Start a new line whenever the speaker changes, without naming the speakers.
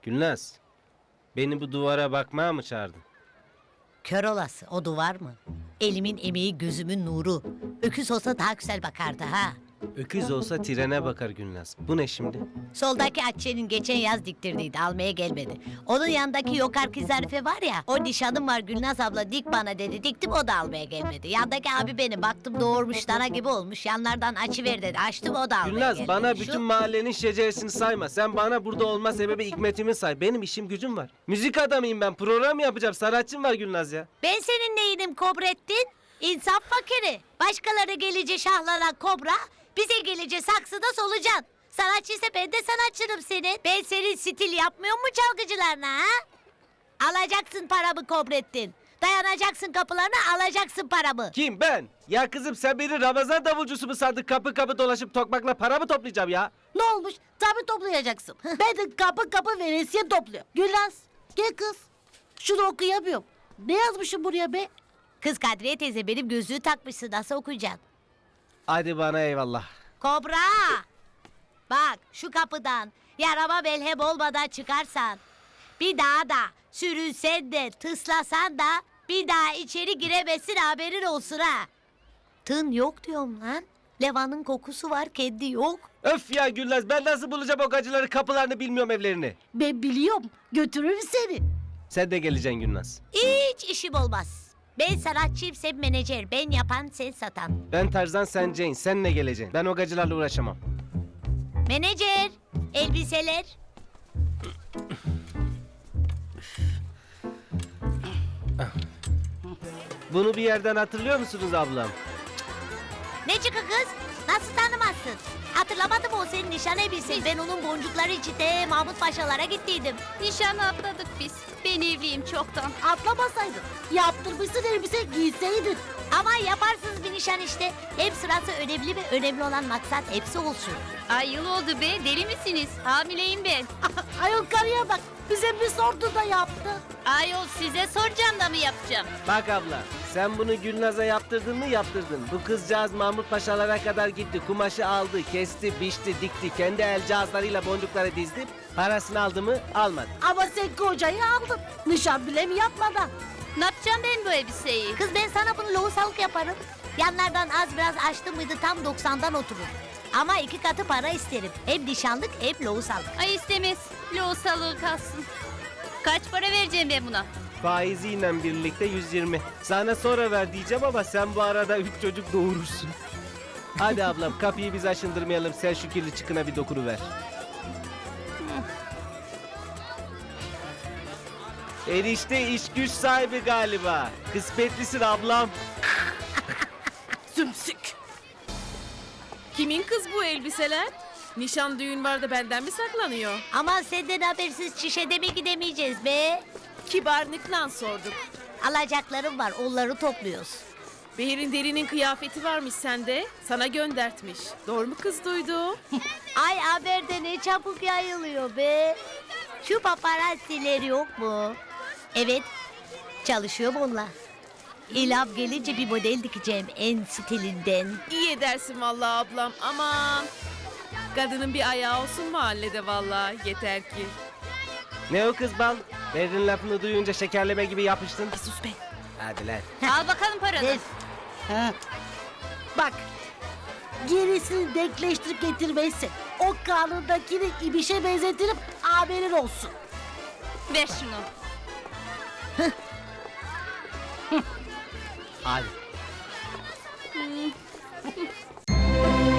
Gülnaz, beni bu duvara bakmaya mı çağırdın?
Kör olası o duvar mı? Elimin emeği gözümün nuru. Öküz olsa daha güzel bakardı ha.
Öküz olsa trene bakar Gülnaz. Bu ne şimdi?
Soldaki Atçe'nin geçen yaz diktirdiydi, almaya gelmedi. Onun yanındaki Yokarki Zarife var ya, o nişanım var Gülnaz abla dik bana dedi, diktim o da almaya gelmedi. Yandaki abi benim, baktım doğurmuş dana gibi olmuş, yanlardan açıver dedi, açtım o da almaya
Gülnaz
gelmedi.
bana
Şu-
bütün mahallenin şeceresini sayma. Sen bana burada olma sebebi Hikmet'imi say. Benim işim gücüm var. Müzik adamıyım ben. Program yapacağım. Sanatçım var Gülnaz ya.
Ben senin neyinim Kobrettin? İnsaf fakiri. Başkaları gelince şahlanan kobra, bize gelince saksıda solucan. Sanatçıysa ben de sanatçınım senin. Ben senin stil yapmıyor mu çalgıcılarına ha? Alacaksın paramı Kobrettin. Dayanacaksın kapılarına, alacaksın paramı.
Kim ben? Ya kızım sen beni Ramazan davulcusu mu sandın? Kapı kapı dolaşıp tokmakla para mı toplayacağım ya?
Ne olmuş? Tabii toplayacaksın. Ben de kapı kapı veresiye topluyorum. Gülnaz gel kız. Şunu okuyamıyorum. Ne yazmışım buraya be?
Kız Kadriye teyze benim gözlüğü takmışsın, nasıl okuyacaksın?
Hadi bana eyvallah.
Kobra! Bak şu kapıdan yarama melhem olmadan çıkarsan, bir daha da sürünsen de tıslasan da bir daha içeri giremezsin, haberin olsun ha. Tın yok diyorum lan. Levanın kokusu var, kendi yok.
Öf ya Gülnaz ben nasıl bulacağım o gacıları kapılarını bilmiyorum evlerini.
Ben biliyorum. Götürürüm seni.
Sen de geleceksin Gülnaz.
Hiç işim olmaz. Ben sanatçıyım, sen menajer. Ben yapan, sen satan.
Ben Tarzan sen Jane. Senle geleceksin. Ben o gacılarla uğraşamam.
Menajer, elbiseler.
Bunu bir yerden hatırlıyor musunuz ablam?
Ne çıkı kız? Nasıl tanımazsın? Hatırlamadım, o senin nişan elbisen. Ben onun boncukları içinde Mahmut Paşalara gittiydim.
Nişanı atladık biz. Ben evliyim çoktan.
Atlamasaydın. Yaptırmışsın elbise giyseydin.
Ama yaparsınız bir nişan işte. Hem sırası önemli ve önemli olan maksat hepsi olsun.
Ay yıl oldu be, deli misiniz? Hamileyim ben.
Ayol karıya bak. Bize bir sordu da yaptı.
Ayol size soracağım da mı yapacağım?
Bak abla, sen bunu Gülnaz'a yaptırdın mı yaptırdın. Bu kızcağız Mahmut Paşalara kadar gitti. Kumaşı aldı, kesti, biçti, dikti. Kendi el cihazlarıyla boncukları dizdi. Parasını aldı mı almadı.
Ama sen kocayı aldın. Nişan bile mi yapmadan?
Ne yapacağım ben bu elbiseyi?
Kız ben sana bunu lohusalık yaparım. Yanlardan az biraz açtım mıydı tam 90'dan oturur. Ama 2 katı para isterim. Hem nişanlık hem lohusalık.
Ay istemez. Loğusalığı kalsın. Kaç para vereceğim ben buna?
Faiziyle birlikte 120. Sana sonra ver diyeceğim ama sen bu arada 3 çocuk doğurursun. Hadi ablam kapıyı biz aşındırmayalım. Sen şu kirli çıkına bir dokunuver. Enişte iş güç sahibi galiba. Kısmetlisin ablam.
Sümsük. Kimin kız bu elbiseler? Nişan düğün var da benden mi saklanıyor?
Ama senden habersiz çişede mi gidemeyeceğiz be?
Kibarlıkla sorduk.
Alacaklarım var, onları topluyoruz.
Behir'in derinin kıyafeti varmış sende. Sana göndertmiş. Doğru mu kız duydu?
Ay haberde ne çabuk yayılıyor be. Şu paparazziler yok mu? Evet, çalışıyorum onunla. İlham gelince bir model dikeceğim en stilinden.
İyi edersin vallahi ablam. Aman. Kadının bir ayağı olsun mahallede vallahi. Yeter ki.
Ne o kız bal? Berrin lafını duyunca şekerleme gibi yapıştın.
Sus be.
Hadi lan.
Al bakalım paranı.
Ver.
Bak. Gerisini denkleştirip getirmezsin. O karnındakini ibişe benzetirim, haberin olsun.
Ver şunu.
Hadi.